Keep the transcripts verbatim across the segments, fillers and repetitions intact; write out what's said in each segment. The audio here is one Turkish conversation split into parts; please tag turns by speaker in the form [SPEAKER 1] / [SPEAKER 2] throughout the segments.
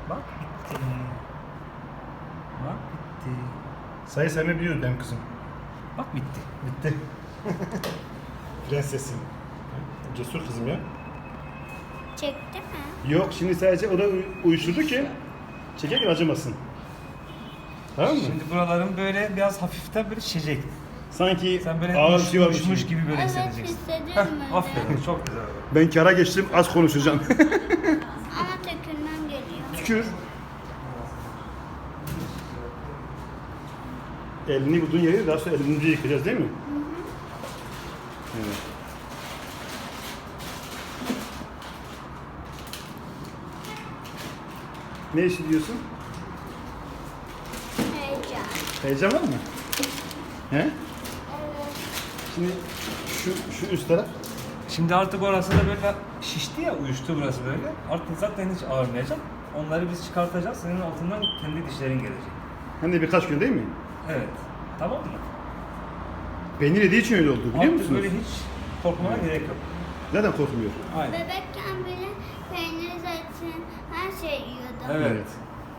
[SPEAKER 1] Bak bitti. Bak bitti.
[SPEAKER 2] Sayı saymayı biliyoruz benim kızım.
[SPEAKER 1] Bak bitti.
[SPEAKER 2] Bitti. Prensesim. Cesur kızım ya.
[SPEAKER 3] Çekti mi?
[SPEAKER 2] Yok şimdi sadece o da uy- uyuşturdu ki çekerken acımasın. Tamam mı?
[SPEAKER 1] Şimdi buraların böyle biraz hafiften böyle şişecek.
[SPEAKER 2] Sanki
[SPEAKER 1] Sen böyle
[SPEAKER 2] ağır bir
[SPEAKER 1] uç,
[SPEAKER 2] şey varmış
[SPEAKER 1] uçmuş
[SPEAKER 2] gibi.
[SPEAKER 1] gibi böyle
[SPEAKER 3] Evet,
[SPEAKER 1] hissedeceksin.
[SPEAKER 3] hissediyorum
[SPEAKER 1] Heh,
[SPEAKER 3] öyle.
[SPEAKER 1] aferin, çok güzel.
[SPEAKER 2] Ben kara geçtim, az konuşacağım.
[SPEAKER 3] Ama tökülmem geliyor.
[SPEAKER 2] Tükür. Elini bulduğun yeri daha sonra elimizi yıkayacağız değil mi? Hı hı. Evet. Ne işi diyorsun?
[SPEAKER 3] Heyecan.
[SPEAKER 2] Heyecan var mı? He?
[SPEAKER 3] Evet.
[SPEAKER 2] Şimdi şu şu üst taraf.
[SPEAKER 1] Şimdi artık orası da böyle şişti ya, uyuştu burası böyle. Artık zaten hiç ağrımayacak. Onları biz çıkartacağız. Senin altından kendi dişlerin gelecek.
[SPEAKER 2] Hem de birkaç gün değil mi?
[SPEAKER 1] Evet. Tamam mı?
[SPEAKER 2] Peynir yediği için öyle oldu biliyor
[SPEAKER 1] Artık
[SPEAKER 2] musunuz?
[SPEAKER 1] böyle hiç korkmana gerek yok.
[SPEAKER 2] Neden korkmuyor?
[SPEAKER 1] Aynen.
[SPEAKER 3] Bebekken bile peynir, zeytin, her şey yiyordu.
[SPEAKER 1] Evet.
[SPEAKER 2] Evet.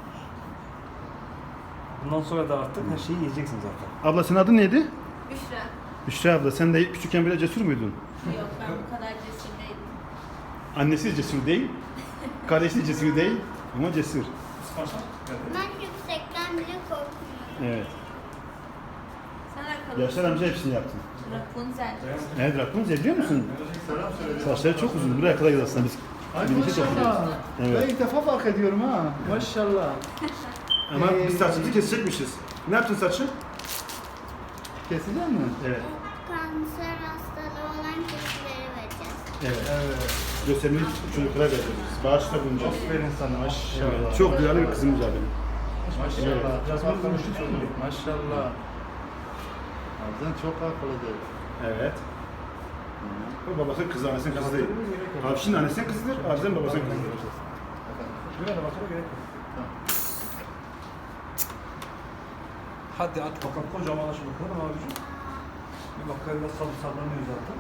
[SPEAKER 1] Bundan sonra da artık her şeyi yiyeceksin zaten.
[SPEAKER 2] Abla senin adın neydi?
[SPEAKER 4] Büşra.
[SPEAKER 2] Büşra abla sen de küçükken böyle cesur muydun?
[SPEAKER 4] Yok ben bu kadar cesur değilim.
[SPEAKER 2] Annesi cesur değil, kardeşi cesur değil ama cesur.
[SPEAKER 3] Ben yüksekten bile korkmuyorum.
[SPEAKER 2] Evet.
[SPEAKER 4] Sen akıllı.
[SPEAKER 2] Yaşar amca hepsini yaptın.
[SPEAKER 4] Rapunzel.
[SPEAKER 2] Evet Rapunzel biliyor musun? Saçları çok uzun. Buraya kadar gidiyor aslında biz.
[SPEAKER 5] Ay
[SPEAKER 2] birlikte topluyoruz.
[SPEAKER 5] maşallah.
[SPEAKER 2] Evet.
[SPEAKER 5] Ben ilk defa fark ediyorum ha. Maşallah.
[SPEAKER 2] Ama
[SPEAKER 5] Ee,
[SPEAKER 2] biz saçımızı kesecekmişiz. Ne yaptın saçı?
[SPEAKER 5] Kesecek mi?
[SPEAKER 2] Evet.
[SPEAKER 3] Kanser hastalığı olan kişilere vereceğiz.
[SPEAKER 2] Evet.
[SPEAKER 5] Evet.
[SPEAKER 2] Göstermeyi çocuklara vereceğiz. Bağışta bulunacağız.
[SPEAKER 5] Aferin sana maşallah.
[SPEAKER 2] Evet. Çok duyarlı bir kızımız var benim.
[SPEAKER 5] Maşallah.
[SPEAKER 1] Biraz
[SPEAKER 5] Çok
[SPEAKER 1] konuştuk
[SPEAKER 5] akıllı.
[SPEAKER 1] şimdi.
[SPEAKER 5] Maşallah. Ablan çok akıllıdır.
[SPEAKER 2] Evet. O babasının kızı, annesinin kızı değil. Avşin annesinin kızıdır, Arzen babasının kızıdır.
[SPEAKER 1] Şuraya da bakana gerek yok. Hadi at bakalım, kocaman aç bakalım abicim. Bir bakalım biraz sal sallanıyor zaten.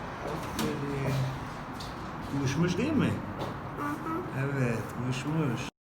[SPEAKER 1] Aferin. Uyuşmuş değil mi? Evet, uyuşmuş.